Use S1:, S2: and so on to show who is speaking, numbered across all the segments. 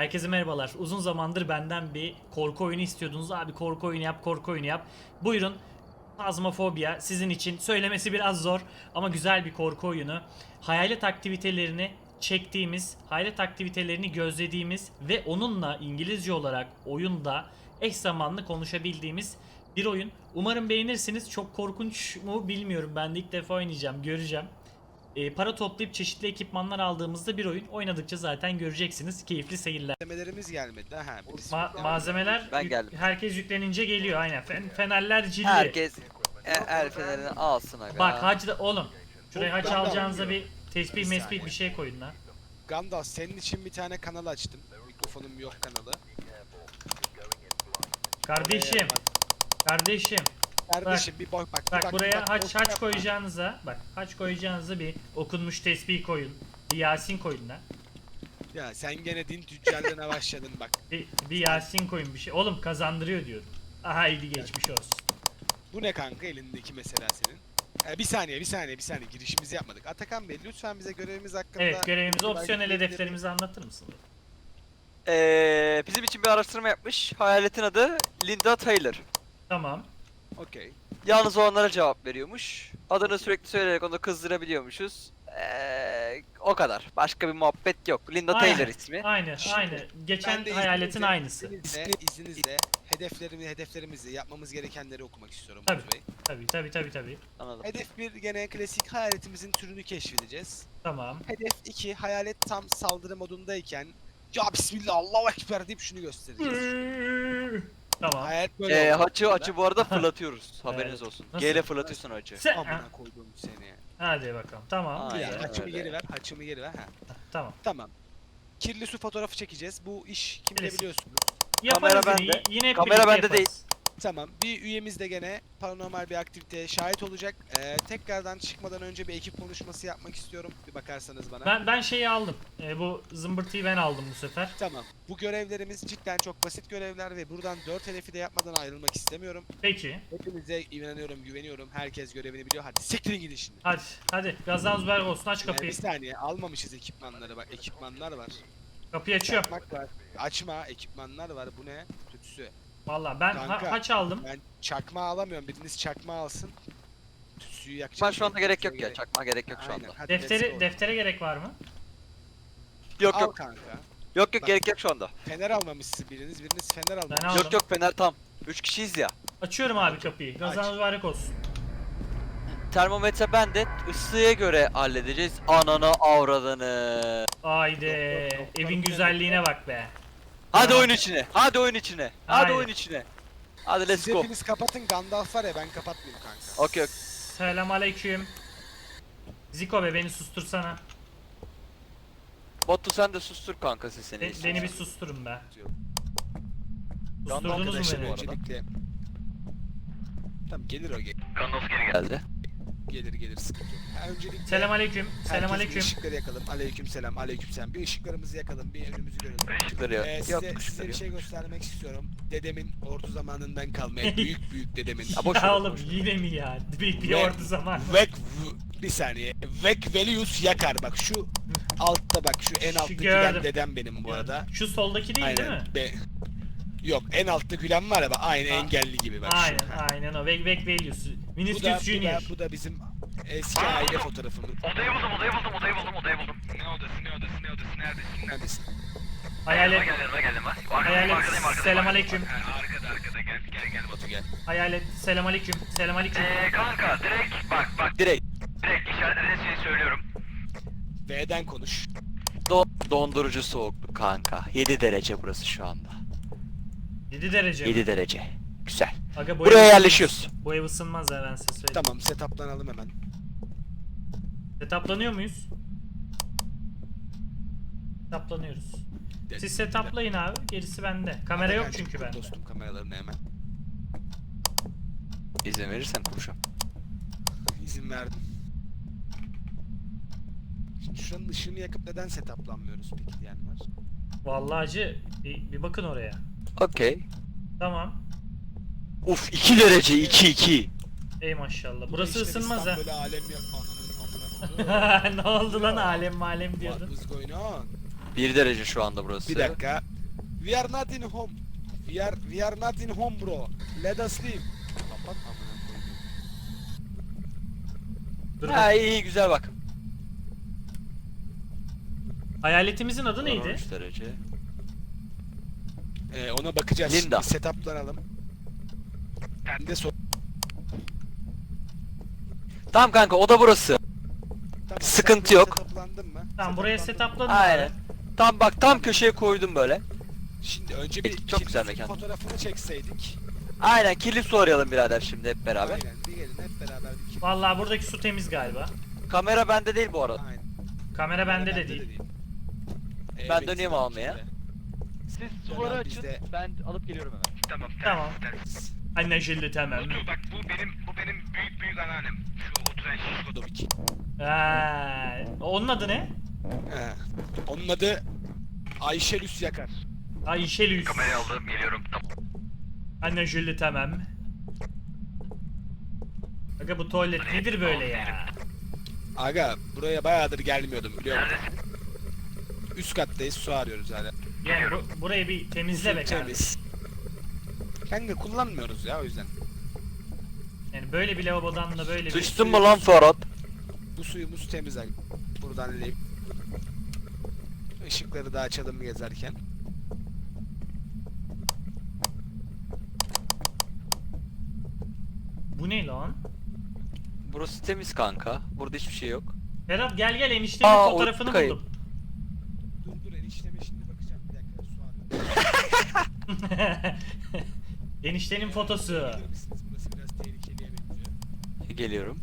S1: Herkese merhabalar. Uzun zamandır benden bir korku oyunu istiyordunuz. Abi korku oyunu yap, korku oyunu yap. Buyurun. Phasmophobia sizin için. Söylemesi biraz zor ama güzel bir korku oyunu. Hayalet aktivitelerini çektiğimiz, hayalet aktivitelerini gözlediğimiz ve onunla İngilizce olarak oyunda eş zamanlı konuşabildiğimiz bir oyun. Umarım beğenirsiniz. Çok korkunç mu bilmiyorum. Ben de ilk defa oynayacağım, göreceğim. Para toplayıp çeşitli ekipmanlar aldığımızda bir oyun oynadıkça zaten göreceksiniz. Keyifli seyirler.
S2: Malzemelerimiz gelmedi. Ha, birisi
S1: Malzemeler
S3: Ben geldim.
S1: herkes yüklenince geliyor aynen. Fenerler cilli.
S3: Herkes el fenerini alsın aga.
S1: Bak hac da oğlum. Şuraya hac
S2: Ben de
S1: alacağınıza
S2: alıyorum.
S1: bir tespih mespih bir şey koyun lan.
S2: Gandalf senin için bir tane kanal açtım. Mikrofonum yok kanalı.
S1: Kardeşim. Kardeşim.
S2: Kardeşim bir bak
S1: Bak buraya haç
S2: yapma.
S1: koyacağınıza bir okunmuş tesbih koyun. Bir Yasin koyun lan.
S2: Ya sen gene din tüccarlığına başladın bak.
S1: Bir Yasin koyun bir şey. Oğlum kazandırıyor diyorum. Aha iyi geçmiş olsun.
S2: Bu ne kanka elindeki mesela senin? Bir saniye girişimizi yapmadık. Atakan Bey lütfen bize görevimiz hakkında...
S1: Evet görevimizi
S2: bilgi
S1: opsiyonel
S2: bilgileri-
S1: hedeflerimizi anlatır mısın?
S3: Bizim için bir araştırma yapmış. Hayaletin adı Linda Taylor.
S1: Tamam.
S2: Okey.
S3: Yalnız o onlara cevap veriyormuş. Adını sürekli söyleyerek onu kızdırabiliyormuşuz. O kadar. Başka bir muhabbet yok. Linda
S1: Aynen.
S3: Taylor ismi.
S1: Aynı.
S2: Şimdi,
S1: Geçen
S2: Ben de
S1: hayaletin aynısı.
S2: izninizle hedeflerimizi yapmamız gerekenleri okumak istiyorum
S1: Tabii.
S2: Batu Bey.
S1: Tabii.
S3: Anladım.
S2: Hedef 1 gene klasik hayaletimizin türünü keşfedeceğiz.
S1: Tamam.
S2: Hedef 2 hayalet tam saldırı modundayken ya bismillah Allahu ekber deyip şunu göstereceğiz.
S1: Tamam.
S2: Hayalet böyle oldu aslında.
S3: Açı bu arada fırlatıyoruz. Haberiniz
S1: Evet.
S3: olsun.
S1: Nasıl?
S3: G ile fırlatıyorsun açı.
S1: Sen...
S2: Amına koyduğum seni.
S1: Hadi bakalım. Tamam.
S3: Aynen.
S1: Güzel.
S2: Haçımı
S3: öyle.
S2: geri ver, haçımı geri ver. Ha.
S1: Tamam.
S2: Tamam. Kirli su fotoğrafı çekeceğiz. Bu iş kimde
S1: Klasik.
S2: biliyorsunuz.
S1: Yaparız
S3: Kamera
S1: yine.
S3: bende.
S1: Yine hep
S3: Kamera
S1: birlikte
S3: bende
S1: yaparız.
S3: değil.
S2: Tamam. Bir üyemiz de gene paranormal bir aktiviteye şahit olacak. Tekrardan çıkmadan önce bir ekip konuşması yapmak istiyorum. Bir bakarsanız bana.
S1: Ben şeyi aldım. Bu zımbırtıyı ben aldım bu sefer.
S2: Tamam. Bu görevlerimiz cidden çok basit görevler ve buradan 4 hedefi de yapmadan ayrılmak istemiyorum.
S1: Peki.
S2: Hepinize inanıyorum, güveniyorum. Herkes görevini biliyor. Hadi siktirin gidin şimdi.
S1: Hadi. Gazdan uzber olsun. Aç kapıyı.
S2: Bir saniye almamışız ekipmanları bak. Ekipmanlar var.
S1: Kapıyı açıyorum.
S2: Çakmak var. Açma ekipmanlar var. Bu ne? Tütsü.
S1: Vallahi ben
S2: Kanka,
S1: haç aldım.
S2: Ben çakma alamıyorum. Biriniz çakma alsın. Tütsüyü yakacağım.
S3: Ben şu anda gerek yok ya. Çakma gerek yok şu
S2: Aynen,
S3: anda.
S2: hadi let's go.
S1: Deftere gerek var mı?
S3: Yok
S2: Al
S3: yok.
S2: kanka.
S3: Yok
S2: Bak.
S3: gerek yok şu anda.
S2: Fener almamışsın biriniz. Biriniz fener almamış.
S1: Ben aldım.
S3: Yok fener tam. 3 kişiyiz ya.
S1: Açıyorum abi kapıyı. Gazdan
S2: Aç.
S1: mübarek olsun.
S3: Termometre bende. Isıya göre halledeceğiz. Ananı avradını.
S1: Haydi.
S2: Yok,
S1: Evin güzelliğine bak be.
S3: Hadi
S1: Ya.
S3: oyun içine. Hadi oyun içine. Hadi
S1: Haydi.
S3: oyun içine. Hadi let's
S2: Siz
S3: go.
S2: hepiniz kapatın. Gandalf var ya ben kapatmayayım kanka.
S3: Okey.
S1: Selam aleyküm. Ziko be beni sustursana.
S3: Batu sen de sustur kanka sesini.
S1: Beni bir susturun be.
S3: Yandı
S1: Susturdunuz mu
S3: arkadaşlar
S1: beni?
S3: bu arada.
S2: Öncelikle... Tamam gelir o
S3: Gandalf geri geldi.
S2: gelir sıkıntı yok. Öncelikle
S1: Selam aleyküm. Selam
S2: herkes bir
S1: aleyküm.
S2: ışıkları yakalım. Aleyküm selam. Bir ışıklarımızı yakalım. Bir önümüzü görelim.
S3: Işıkları yok. Yok
S2: Size
S3: ışıkları
S2: bir
S3: yok.
S2: şey göstermek istiyorum. Dedemin ordu zamanından kalmayan büyük dedemin.
S3: Ya boş ver,
S1: Ya oğlum
S3: boş ver.
S1: yine mi ya? Bir
S2: Ve-
S1: ordu zaman.
S2: Bir saniye. Vek Velius yakar. Bak şu altta bak şu en
S1: Şu
S2: altta
S1: gördüm.
S2: gülen dedem benim bu arada.
S1: Şu soldaki değil değil mi?
S2: Yok en altta gülen var ya bak aynı
S1: Ha.
S2: engelli gibi bak şu.
S1: Aynen o. Veg Values. Vinicius Junior.
S2: Bu da bizim eski aile fotoğrafımız.
S4: Odayı buldum. Ne odası neredesin?
S2: Neredesin?
S1: Hayalet.
S4: Geldim ben.
S1: Hayalet. Selam aleyküm.
S4: Arkada gel
S2: Batu gel.
S1: Hayalet. Selam aleyküm. Selam aleyküm.
S4: Kanka direkt bak
S3: Direkt.
S4: işaretlediğin şeyi söylüyorum.
S2: V'den konuş.
S3: Dondurucu soğukluk kanka. 7 derece burası şu anda.
S1: 7 derece.
S3: 7 derece. Güzel.
S1: Aga, bu
S3: Buraya
S1: ev ısınmaz.
S3: yerleşiyoruz.
S1: Bu ev ısınmaz ha ben size söyleyeyim.
S2: Tamam setuplanalım hemen.
S1: Setuplanıyor muyuz? Setuplanıyoruz. Siz setuplayın abi. Gerisi bende. Kamera yok
S2: Atakan'cığım,
S1: çünkü
S2: kur
S1: bende.
S2: Dostum kameralarını hemen.
S3: İzin verirsen kuruşum.
S2: İzin verdim. Şimdi şuranın ışığını yakıp neden setuplanmıyoruz peki diyen var.
S1: Vallahi acı bir bakın oraya.
S3: Okey.
S1: Tamam.
S3: Uf 2 derece 2.
S1: Ey maşallah.
S2: Bu da
S1: Burası
S2: işte
S1: ısınmaz ha.
S2: Böyle alem yok. Ananın amına.
S1: Ne oldu lan alem malem
S2: What
S1: diyordun.
S2: was going on?
S3: 1 derece şu anda burası.
S2: Bir dakika. We are not in home. We are not in home bro. Let us leave. Kapat amına koyayım.
S1: Dur
S3: Ha
S1: bak.
S3: iyi güzel bak.
S1: Hayaletimizin adı neydi?
S3: 13 derece.
S2: Ona bakacağız.
S3: Linda.
S2: Şimdi setuplanalım. Ben de
S3: Tamam kanka o da burası.
S2: Tamam,
S3: Sıkıntı
S2: sen
S3: yok.
S2: setuplandın mı?
S1: Tamam buraya
S2: Setuplandın mı?
S1: setupladın.
S3: Aynen. Tam bak tam köşeye koydum böyle.
S2: Şimdi önce bir
S3: Çok güzel
S2: kilistin
S3: mekan.
S2: fotoğrafını çekseydik.
S3: Aynen kilit arayalım birader şimdi hep beraber.
S2: Aynen bir gelin hep beraber bir kilit.
S1: Vallahi buradaki su temiz galiba.
S3: Kamera bende değil bu arada.
S2: Aynen.
S1: Kamera bende de değil.
S3: Ben döneyim almaya.
S2: Siz
S3: Suları açın. Ben alıp geliyorum hemen.
S4: Tamam.
S1: Tamam.
S4: ters.
S1: Anlaşıldı tamam.
S4: Batu bak bu benim büyük anneannem. Şu oturan şiş.
S2: Godovic.
S1: Onun adı ne?
S2: He. Onun adı Ayşe Lüs Yakar.
S1: Ayşe Lüs.
S4: Kamerayı aldım geliyorum. Tamam.
S1: Anlaşıldı tamam. Aga bu tuvalet nedir böyle ya?
S2: Aga buraya bayağıdır gelmiyordum biliyor musun?
S4: Neredesin?
S2: Üst kattayız su arıyoruz hala.
S1: Yani burayı bir temizle be kardeşim.
S2: Temiz. Kanka kullanmıyoruz ya o yüzden.
S1: Yani böyle bir lavabodan da böyle bir...
S3: Sıçtın mı lan Ferhat?
S2: Bu suyumuz temiz aga. Buradan eleyip. Işıkları da açalım gezerken.
S1: Bu ne lan?
S3: Burası temiz kanka. Burada hiçbir şey yok.
S1: Ferhat gel eniştemin
S3: Aa,
S1: fotoğrafını
S3: o kayıp.
S1: buldum.
S2: Dur enişteme şimdi bakacağım bir dakika su arıyorum.
S1: Eniştenin fotosu.
S2: Gelir misiniz? Burası biraz tehlikeliye benziyor.
S3: Geliyorum.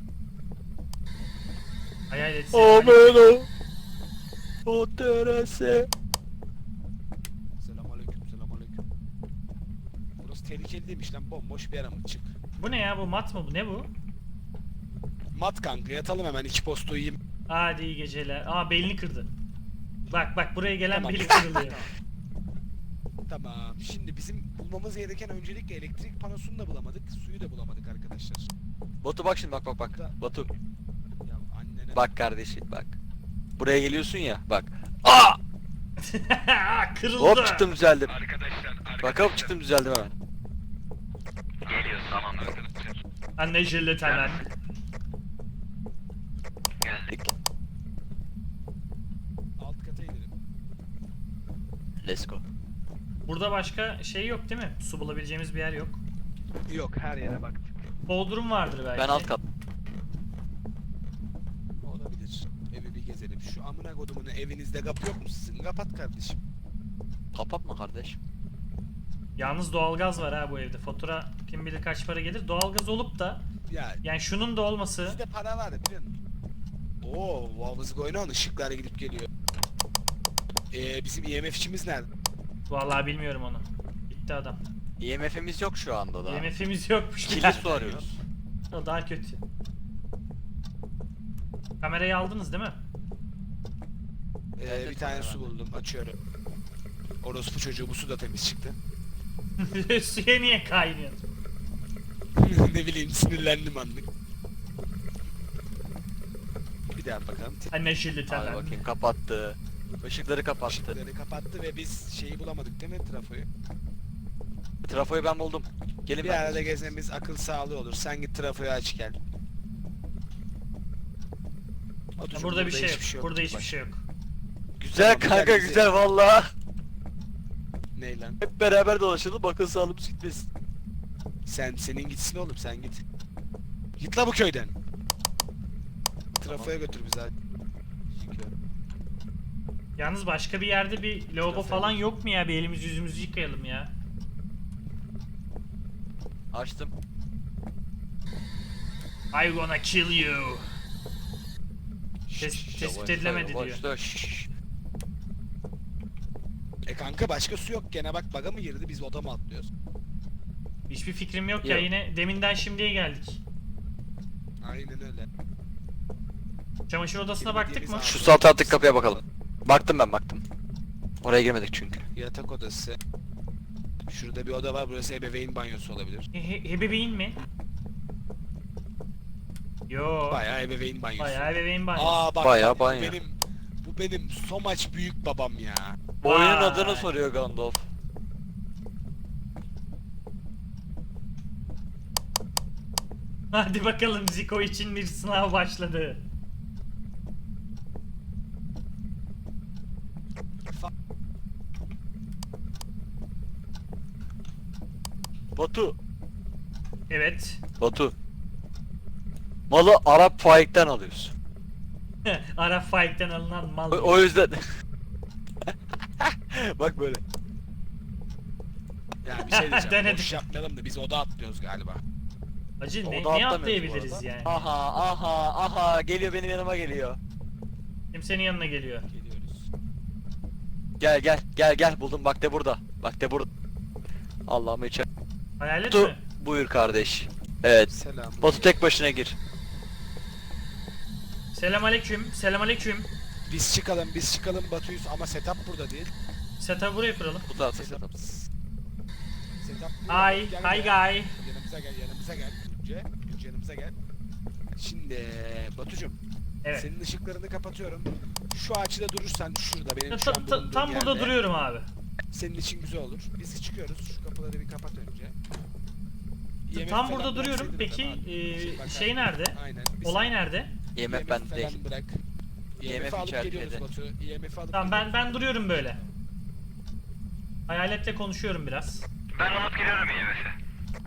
S1: Hayal etsene.
S3: Ameno. O terese.
S2: Selamünaleyküm, selamünaleyküm. Burası tehlikeli değilmiş lan, bomboş bir yer ama çık.
S1: Bu ne ya, bu mat mı bu, ne bu?
S2: Mat kanka, yatalım hemen, iki postu yiyeyim.
S1: Hadi iyi geceler. Aa, belini kırdı. Bak buraya gelen
S2: Tamam.
S1: beli kırılıyor.
S2: Tamam, şimdi bizim bulmamız gereken öncelikle elektrik panosunu da bulamadık, suyu da bulamadık arkadaşlar.
S3: Batu bak şimdi bak. Batu.
S2: Ya annene...
S3: Bak kardeşim bak. Buraya geliyorsun ya bak. Aa!
S1: Kırıldı.
S3: Hop çıktım düzeldim.
S4: Arkadaşlar.
S3: Bak hop çıktım düzeldim hemen.
S4: Geliyoruz tamam arkadaşlar.
S1: Anlaşıldı tamam.
S4: Geldik.
S2: Alt kata inelim.
S3: Let's go.
S1: Burada başka şey yok değil mi? Su bulabileceğimiz bir yer yok.
S2: Yok, her yere baktık.
S1: Bodrum vardır belki.
S3: Ben alt kat.
S2: Olabilir. Evi bir gezelim. Şu amına kodumun evinizde kapı yok mu sizin? Kapat kardeşim.
S3: Kapatma kardeş.
S1: Yalnız doğalgaz var ha bu evde. Fatura kim bilir kaç para gelir. Doğalgaz olup da
S2: Ya
S1: yani şunun da olması.
S2: bizde para var biliyor musun? Oo, Wavızgı oynan, ışıklar gidip geliyor. Bizim IMF'çimiz nerede?
S1: Vallahi bilmiyorum onu. Gitti adam.
S3: IMF'imiz yok şu anda da.
S1: IMF'imiz yokmuş.
S3: Kirli su arıyoruz.
S1: O daha kötü. Kamerayı aldınız değil mi?
S3: Evet,
S2: Bir tane
S3: kamera
S2: su
S3: bende.
S2: buldum, açıyorum. Orospu çocuğu, bu su da temiz çıktı.
S1: Suya niye kaynıyor?
S2: Ne bileyim, sinirlendim anlık. Bir daha bakalım.
S1: Anlaşıldı
S3: Hadi
S1: tamam.
S3: bakayım kapattı. Işıkları kapattı.
S2: Işıkları kapattı ve biz şeyi bulamadık değil mi, trafoyu?
S3: Trafoyu ben buldum. Gelin
S2: Bir
S3: ben.
S2: arada gezmemiz akıl sağlığı olur. Sen git trafoyu aç gel. Batucuğum,
S1: Burada bir şey yok.
S2: hiçbir
S1: Burada
S2: Bak,
S1: hiçbir şey yok.
S3: Güzel
S2: Tamam,
S3: kanka
S2: bize-
S3: güzel valla.
S2: Ne lan?
S3: Hep beraber dolaşalım bakın sağlığımız gitmesin.
S2: Senin gitsin oğlum, sen git. Git la bu köyden. Trafoya götür bizi hadi.
S1: Yalnız başka bir yerde bir lavabo
S2: Trafoya
S1: falan
S2: bak.
S1: yok mu ya? Bir elimizi yüzümüzü yıkayalım ya.
S3: Açtım.
S1: I gonna kill you. Tespit
S3: Yavaş,
S1: edilemedi
S3: yavaş,
S1: diyor.
S3: yavaş. Şşş.
S2: Kanka başka su yok gene, bak baga mı girdi, biz oda mı atlıyoruz?
S1: Hiçbir fikrim yok ya,
S3: Yok.
S1: yine deminden şimdiye geldik.
S2: Aynen öyle.
S1: Çamaşır odasına baktık mı?
S3: Şu sağ taraftaki kapıya bakalım. Baktım ben baktım. Oraya girmedik çünkü.
S2: Yatak odası. Şurada bir oda var, burası ebeveyn banyosu olabilir.
S1: Ebeveyn mi? Yo.
S2: Bayağı ebeveyn banyosu.
S1: Bayağı ebeveyn banyosu.
S2: Aa bak,
S3: Bayağı
S2: bu
S3: banyo.
S2: bu benim so much büyük babam ya.
S3: Bu oyunun
S1: Vay.
S3: adını soruyor Gandalf.
S1: Hadi bakalım, Zico için bir sınav başladı.
S3: Batu.
S1: Evet.
S3: Batu. Malı Arap faikten alıyorsun.
S1: Arap Faik'ten alınan mal.
S3: O yüzden. Bak böyle.
S2: Ya bir şey diyeceğim.
S1: Denedim.
S2: Boş yapmayalım da biz oda atlıyoruz galiba.
S1: Acı
S3: O
S1: ne,
S3: da
S1: ne
S3: atlamıyoruz bu
S1: atlayabiliriz
S3: arada.
S1: yani?
S3: Aha geliyor benim yanıma geliyor.
S1: Kimsenin yanına geliyor.
S2: Geliyoruz.
S3: Gel buldum bak de burada. Bak de burada. Allah'ım içer.
S1: Hayalet
S3: Batu
S1: mi?
S3: buyur kardeş. Evet.
S2: Selam.
S3: Batu tek başına gir.
S1: Selamünaleyküm. Selamünaleyküm.
S2: Biz çıkalım Batu'yuz ama setup burada değil.
S1: Setup'ı buraya kuralım.
S3: Bu tarafta
S2: Setup.
S3: setup.
S2: Setup burada.
S1: Hi,
S2: Gel
S1: hi
S2: buraya.
S1: guy.
S2: Yanımıza gel. Gülce yanımıza gel. Şimdi Batucuğum,
S1: Evet.
S2: senin ışıklarını kapatıyorum. Şu açıda durursan şurada benim
S1: Ta-
S2: şu an
S1: ta-
S2: bulunduğum
S1: tam burada
S2: yerde.
S1: duruyorum abi.
S2: Senin için güzel olur. Biz çıkıyoruz. Şu kapıları bir kapat önce. IMF
S1: Tam
S2: falan
S1: burada duruyorum.
S2: bıraksaydın
S1: Peki
S2: adama. Bir
S1: şey nerede?
S2: Aynen.
S1: Olay nerede?
S3: IMF ben
S2: falan
S3: değil.
S2: Bırak.
S3: IMF
S2: IMF alıp
S3: içeride.
S2: geliyoruz Batu. IMF alıp
S1: Tamam
S2: geliyoruz.
S1: ben duruyorum böyle. Hayaletle konuşuyorum biraz.
S4: Ben alıp geliyorum IMF'e.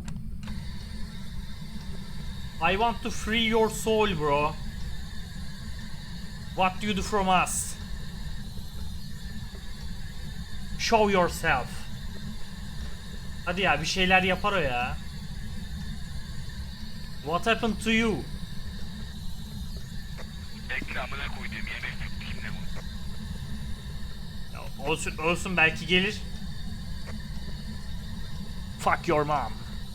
S1: I want to free your soul bro. What do you do from us? Show yourself. Hadi ya, bir şeyler yapar o ya. What happened to you?
S4: Bekle amına koyduğum IMF kimle bu?
S1: Ya, olsun belki gelir. Fuck your mom.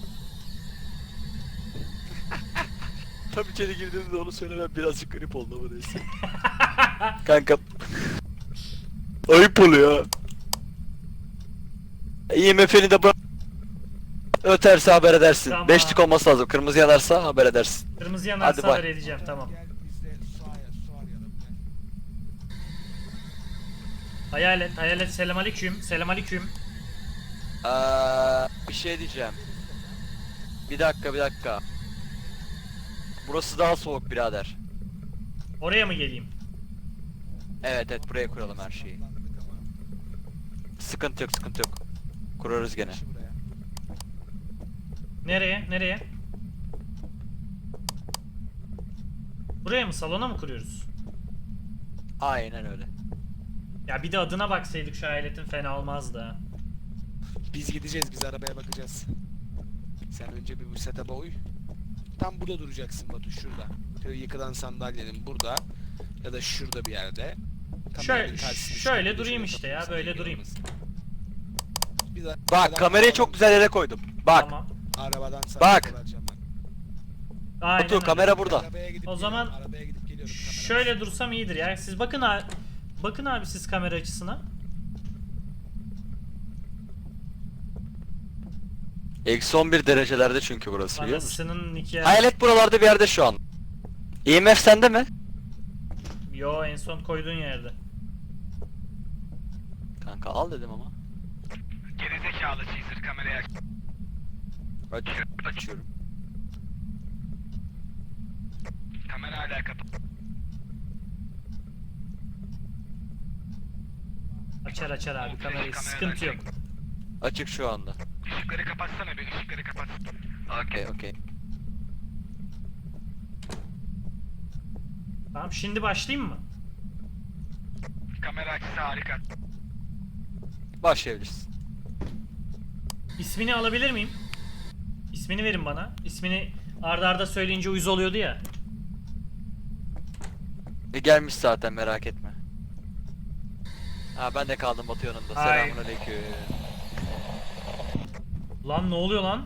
S3: Tam içeri girdiğimde onu söylemem birazcık garip oldu ama neyse. Kanka. Ayıp oluyor. IMF'ni de bırak. Öterse haber edersin.
S1: Tamam.
S3: Beşlik olması lazım. Kırmızı yanarsa haber edersin.
S1: Kırmızı yanarsa
S3: Hadi bay.
S1: haber edeceğim, tamam.
S2: Gel biz de su arayalım. Gel.
S1: Hayalet selamünaleyküm. Selamünaleyküm.
S3: Bir şey diyeceğim. Bir dakika. Burası daha soğuk birader.
S1: Oraya mı geleyim?
S3: Evet buraya kuralım her şeyi.
S2: Saklandık ama.
S3: Sıkıntı yok. Kurarız gene.
S2: Şu buraya.
S1: Nereye? Buraya mı? Salona mı kuruyoruz?
S3: Aynen öyle.
S1: Ya bir de adına baksaydık şu hayaletin, fena olmazdı ha.
S2: Biz gideceğiz, biz arabaya bakacağız. Sen önce bir bu setup'a uy. Tam burada duracaksın Batu, şurada. Şöyle yıkılan sandalyenin burada ya da şurada bir yerde. Kameranın karşısında,
S1: Şöyle
S2: şurada
S1: durayım
S2: şöyle
S1: işte ya,
S2: kapatırsan
S1: böyle
S2: engel
S1: durayım.
S2: olmasın. Biz arabadan
S3: Bak kamerayı çok güzel yere koydum. Bak.
S1: Tamam.
S2: Arabadan sana
S3: Bak.
S2: vereceğim ben.
S1: Aynen
S3: Batu
S1: öyle.
S3: kamera burada.
S2: Arabaya gidip
S1: O zaman
S2: geliyorum, arabaya gidip geliyorum. Kamera
S1: Şöyle dursam iyidir ya. Siz bakın abi. Bakın abi siz kamera açısına.
S3: Eksi 11 derecelerde çünkü burası biliyor musun?
S1: Anasının nikahı.
S3: Hayalet buralarda bir yerde şu an. IMF sende mi?
S1: Yo, en son koyduğun yerde.
S3: Kanka al dedim ama.
S4: Gerizekalı cheeser kamerayı aç.
S3: Açıyorum.
S4: Kamera hala kapalı.
S1: Açar abi kamerayı. Sıkıntı yok.
S3: Açık şu anda.
S4: Işıkları kapatsana bir, ışıkları kapat.
S3: Okey.
S1: Tamam, şimdi başlayayım mı?
S4: Kamera açısı harika.
S3: Başlayabilirsin.
S1: İsmini alabilir miyim? İsmini verin bana. İsmini arda söyleyince uyuz oluyordu ya.
S3: Gelmiş zaten merak etme. Ha ben de kaldım Batu yanında.
S1: Ay.
S3: Selamünaleyküm.
S1: Lan ne oluyor lan?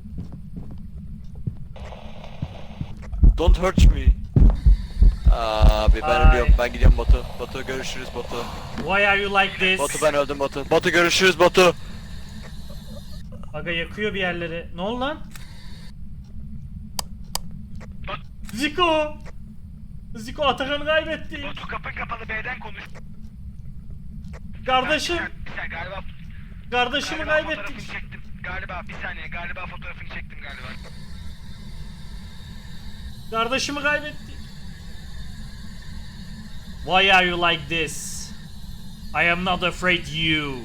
S3: Don't hurt me. Abi ben
S1: Ay.
S3: ölüyorum. Ben gidiyorum Batu. Batu görüşürüz Batu.
S1: Why are you like this?
S3: Batu ben öldüm Batu. Batu görüşürüz Batu.
S1: Aga yakıyor bir yerleri. Ne oldu lan? Zico Atakan'ı kaybetti.
S4: Batu kapın kapalı B'den konuş.
S1: Kardeşim.
S4: Bir saniye galiba.
S1: Kardeşimi
S4: Galiba
S1: kaybettik.
S4: fotoğrafını çektim. Galiba bir saniye galiba fotoğrafını çektim galiba.
S1: Kardeşimi kaybettik. Why are you like this? I am not afraid you.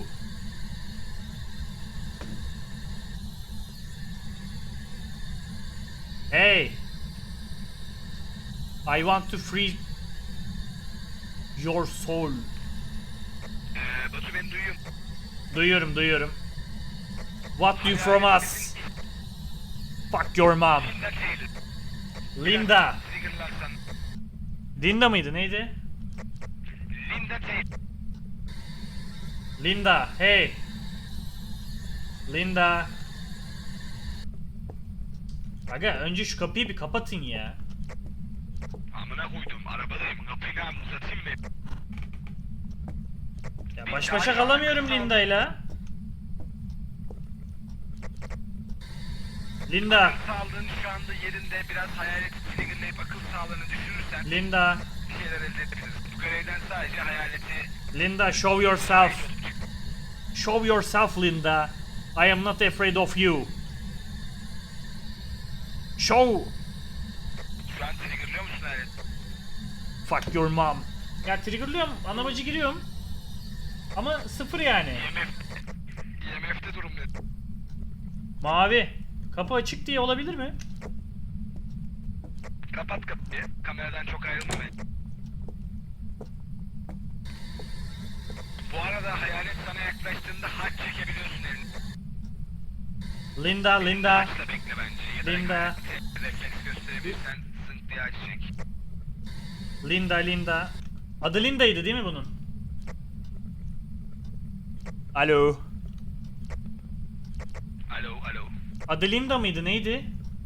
S1: Hey. I want to free your soul.
S4: Batu beni duyuyor.
S1: Duyuyorum, duyuyorum. What do you from us? Fuck your mom.
S4: Linda Taylor.
S1: Linda.
S4: Triggerlarsan.
S1: Linda mıydı? Neydi?
S4: Linda Taylor.
S1: Linda. Hey. Linda. Aga önce şu kapıyı bir kapatın ya.
S4: Amına koydum arabadayım. Kapıyı uzatayım mı?
S1: Ya baş başa kalamıyorum Linda'yla. Linda.
S4: Sağlığın şu anda yerinde, biraz hayalet triggerlayıp akıl sağlığını düşürürsen
S1: Linda.
S4: bir şeyler elde edebiliriz. Bu görevden sadece hayaleti
S1: Linda, show yourself. Show yourself, Linda. I am not afraid of you. Show.
S4: şu an triggerlıyor musun hayalet?
S1: Fuck your mom. Ya triggerlıyorum, ana bacı giriyorum. Ama sıfır yani.
S4: IMF'de durum ne?
S1: Mavi. Kapı açık diye olabilir mi?
S4: Kapat kapıyı. Kameradan çok ayrılma be. Bu arada hayalet sana yaklaştığında haç çekebiliyorsun elini.
S1: Linda, Linda.
S4: Haçla bekle bence. Ya da
S1: Linda.
S4: refleks gösterebilirsen zınk diye haç çek.
S1: Linda, Linda. Adı Linda'ydı değil mi bunun? Alo.
S4: Alo, alo.
S1: Adı Linda mıydı? Neydi?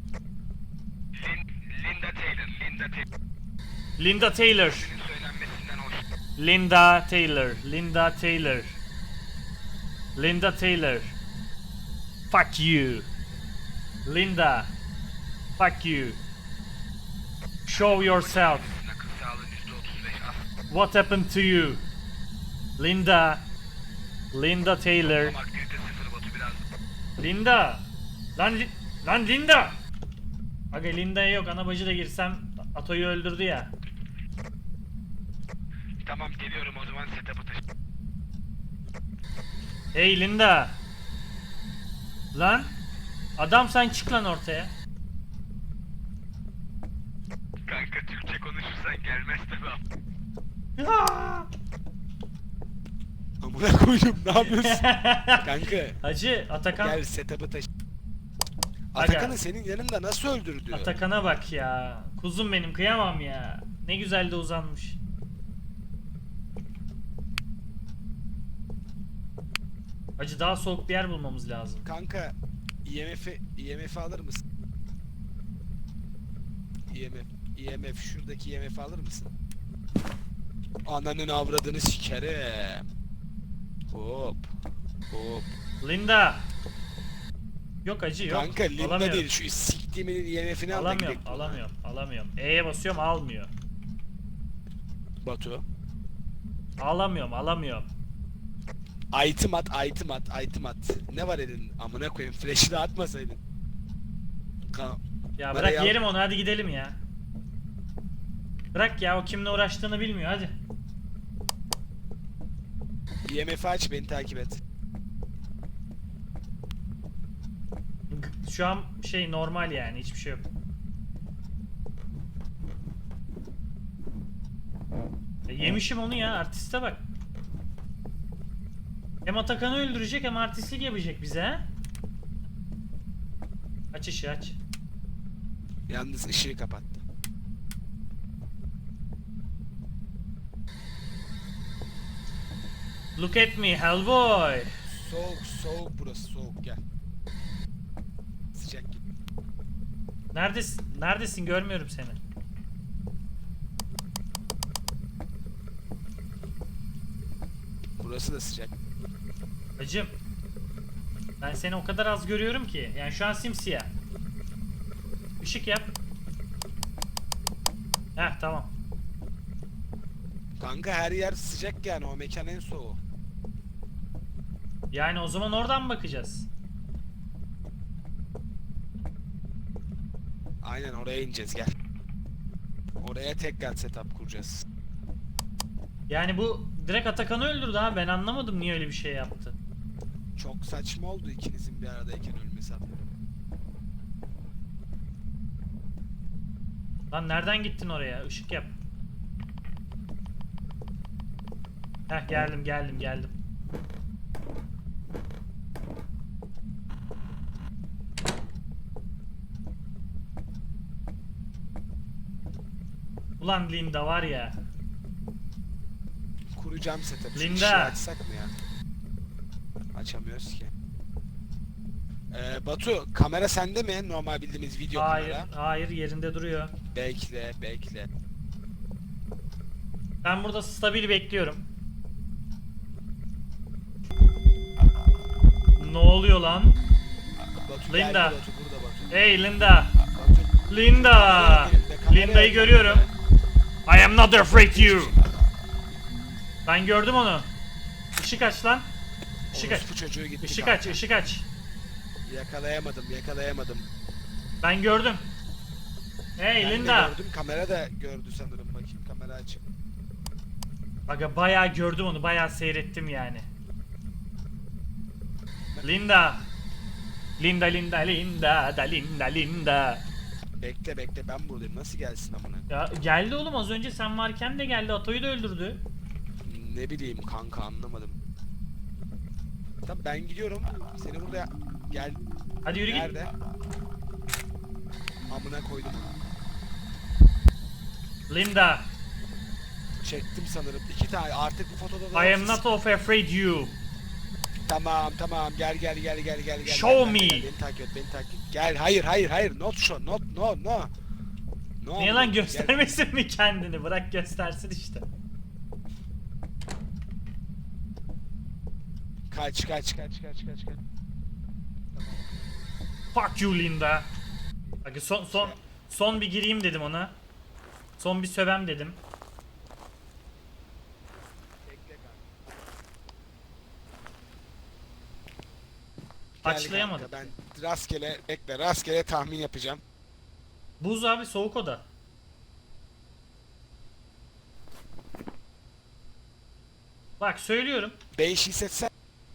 S4: Linda Taylor, Linda Taylor.
S1: Linda Taylor.
S4: Senin söylenmesinden hoş.
S1: Linda Taylor. Linda Taylor. Linda Taylor. Fuck you. Linda. Fuck you. Show yourself.
S4: Akıl sağlığın %35 az.
S1: What happened to you? Linda. Linda Taylor.
S4: Ama aktivite sıfır Batu biraz.
S1: Linda. Lan Linda. Aga Linda'ya yok. Ana bacı da girsem Ato'yu öldürdü ya.
S4: Tamam geliyorum o zaman setup'ı taşı.
S1: Hey Linda. Lan. Adam sen çık lan ortaya.
S4: Kanka Türkçe konuşursan gelmez tabi.
S1: Aa!
S2: Amına koydum ne yapıyorsun? Kanka
S1: Hacı Atakan.
S2: gel setup'ı taşı.
S1: Aga.
S2: Atakan'ı senin yanında nasıl öldürdü?
S1: Atakan'a bak ya. Kuzum benim kıyamam ya. Ne güzel de uzanmış. Hacı daha soğuk bir yer bulmamız lazım.
S2: Kanka IMF'i alır mısın? IMF şuradaki IMF'i alır mısın? Ananın avradını sikerim. Hop. Hop.
S1: Linda. Yok hacı yok.
S2: Kanka Linda
S1: Alamıyorum.
S2: değil şu siktiğimin IMF'ini al da
S1: Alamıyorum,
S2: gidelim.
S1: alamıyorum. E'ye basıyorum almıyor.
S2: Batu.
S1: Alamıyorum.
S2: Item at. Ne var elin? Amına koyayım flash'ı da atmasaydın.
S1: Ya
S2: Bana
S1: bırak
S2: yap-
S1: yerim onu, hadi gidelim ya. Bırak ya, o kimle uğraştığını bilmiyor, hadi.
S2: IMF'i aç beni takip et.
S1: Şu an şey normal yani, hiçbir şey yok. Yemişim onu ya, artiste bak. Hem Atakan'ı öldürecek hem artistlik yapacak bize ha. Aç ışığı aç.
S2: Yalnız ışığı kapattı.
S1: Look at me Hellboy.
S2: Soğuk burası soğuk gel. Sıcak git.
S1: Neredesin, görmüyorum seni.
S2: Burası da sıcak.
S1: Hacım. Ben seni o kadar az görüyorum ki. Yani şu an simsiyah. Işık yap. Heh tamam.
S2: Kanka her yer sıcak yani o mekan en soğuğu.
S1: Yani o zaman oradan mı bakacağız?
S2: Aynen oraya ineceğiz gel. Oraya tekrar setup kuracağız.
S1: Yani bu direkt Atakan'ı öldürdü ha. Ben anlamadım niye öyle bir şey yaptı.
S2: Çok saçma oldu ikinizin bir aradayken ölmesi.
S1: Lan nereden gittin oraya? Işık yap. Heh geldim. Ulan Linda var ya.
S2: Kuracağım setup. Şu
S1: Linda.
S2: ışığı açsak mı ya? Açamıyoruz ki. Batu, kamera sende mi? Normal bildiğimiz video
S1: Hayır,
S2: kamera.
S1: hayır yerinde duruyor.
S2: Bekle.
S1: Ben burada stabil bekliyorum. Ne oluyor lan?
S2: Batu
S1: Linda.
S2: geldi, Batu burada Batu.
S1: Hey Linda.
S2: Batu.
S1: Linda.
S2: Kamera
S1: Linda'yı
S2: elimde.
S1: görüyorum. I am not afraid you. Ben gördüm onu. Işık aç lan. Işık aç.
S2: Orospu çocuğu gitti
S1: Işık
S2: kanka.
S1: aç, ışık aç.
S2: Yakalayamadım.
S1: Ben gördüm. Hey
S2: Ben de
S1: Linda.
S2: gördüm, kamera da gördü sanırım. Bakayım kamera açık.
S1: Aga bayağı gördüm onu, bayağı seyrettim yani. Linda. Linda.
S2: Bekle ben buradayım. Nasıl gelsin amına?
S1: Ya geldi oğlum, az önce sen varken de geldi, Ato'yu da öldürdü.
S2: Ne bileyim kanka, anlamadım. Tamam ben gidiyorum. Seni burada gel.
S1: Hadi yürü git.
S2: Nerede? Amına koydum onu.
S1: Linda.
S2: Çektim sanırım. 2 tane artık bu fotoda da
S1: I am not of afraid you.
S2: Tamam gel.
S1: Show
S2: Gel,
S1: me.
S2: Beni takip et. Gel hayır not show not no. No.
S1: Niye lan, göstermesin mi kendini? Bırak göstersin işte.
S2: Kaç.
S1: Fuck you Linda. Bak son bir gireyim dedim ona. Son bir sövem dedim.
S2: Bekle kanka.
S1: Açlayamadım.
S2: Gel kanka, ben rastgele tahmin yapacağım.
S1: Buz abi, soğuk oda. Bak söylüyorum.
S2: 5 hissetsen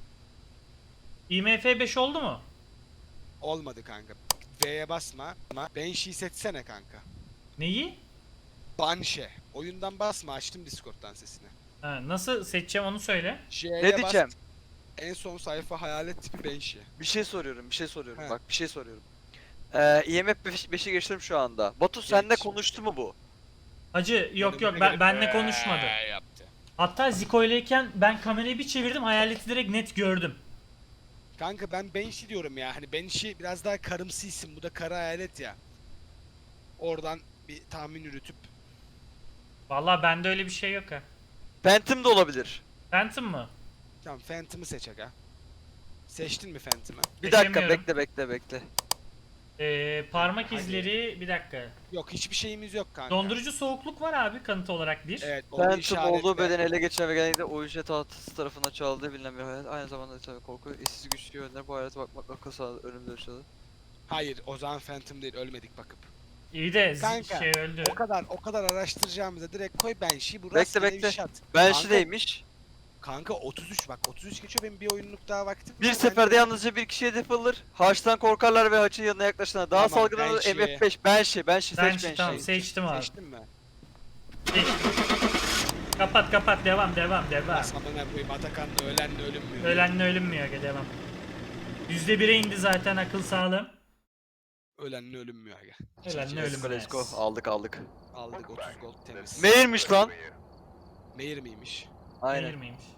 S1: IMF 5 oldu mu?
S2: olmadı kanka. V'ye basma. Banshee seçsene kanka.
S1: Neyi?
S2: Banshee. Oyundan basma, açtım Discord'dan sesini.
S1: Ha, nasıl seçeceğim onu söyle.
S2: J'ye
S3: Ne
S2: bas,
S3: diyeceğim?
S2: en son sayfa hayalet tipi Banshee.
S3: Bir şey soruyorum.
S2: He.
S3: Bak bir şey soruyorum. IMF 5'i geçtim şu anda. Batu seninle
S2: Geç.
S3: konuştu mu bu?
S1: Hacı yok
S2: Önüme gelip
S1: benle konuşmadı.
S2: Yaptı.
S1: Hatta Ziko ileyken ben kamerayı bir çevirdim, hayaleti direkt net gördüm.
S2: Kanka ben Banshee diyorum ya. Hani Banshee biraz daha karımsı isim. Bu da kara hayalet ya. Oradan bir tahmin yürütüp.
S1: Vallahi bende öyle bir şey yok ha.
S3: Phantom da olabilir.
S1: Phantom mı?
S2: Tamam Phantom'ı seç aga. Seçtin mi Phantom'ı?
S3: Bir dakika
S1: Seçemiyorum.
S3: bekle.
S1: Parmak
S2: Hadi.
S1: izleri, bir dakika.
S2: Yok, hiçbir şeyimiz yok kanka.
S1: Dondurucu soğukluk var abi, kanıt olarak bir.
S2: Evet, onu
S3: Phantom
S2: işaretle.
S3: olduğu bedeni ele geçiren ve genellikle oyuncu tahtası tarafından çaldığı bilinen bir hayalet. Aynı zamanda tabii korku, işsiz güçlü yönler bu hayalete bakmak akıl sağlığı ölümde yaşadı.
S2: Hayır, o zaman Phantom değil, ölmedik bakıp.
S1: İyi de
S2: Kanka,
S1: şey öldü.
S2: O kadar araştıracağımıza direkt koy Banshee, bu
S3: Bekle,
S2: rastgele
S3: bekle.
S2: bir shot.
S3: Banshee'deymiş.
S2: Kanka 33 bak, 33 geçiyor, benim bir oyunluk daha vaktim
S3: Bir
S2: var.
S3: seferde
S2: Ben-
S3: yalnızca bir kişiye hedef alınır. Haçtan korkarlar ve haçın yanına yaklaşana daha
S2: Tamam,
S3: salgın olur.
S2: Banshee.
S3: MF5. Banshee seç
S1: Banshee, tamam,
S3: Banshee'yi.
S1: seçtim abi.
S2: Seçtin mi?
S1: Seçtim. Kapat, devam.
S2: Asamana koyayım, Atakan'la ölenle ölünmüyor.
S1: Ölenle ölünmüyor, aga devam. %1'e indi zaten akıl sağlığım.
S2: Ölenle ölünmüyor aga.
S1: Ölenle
S3: Let's go,
S1: ölünmez.
S3: let's go. Aldık.
S2: Aldık 30 gold temiz.
S3: Meğirmiş lan.
S2: Meyer miymiş?
S1: Beğenir
S3: Aynen.
S1: miymiş?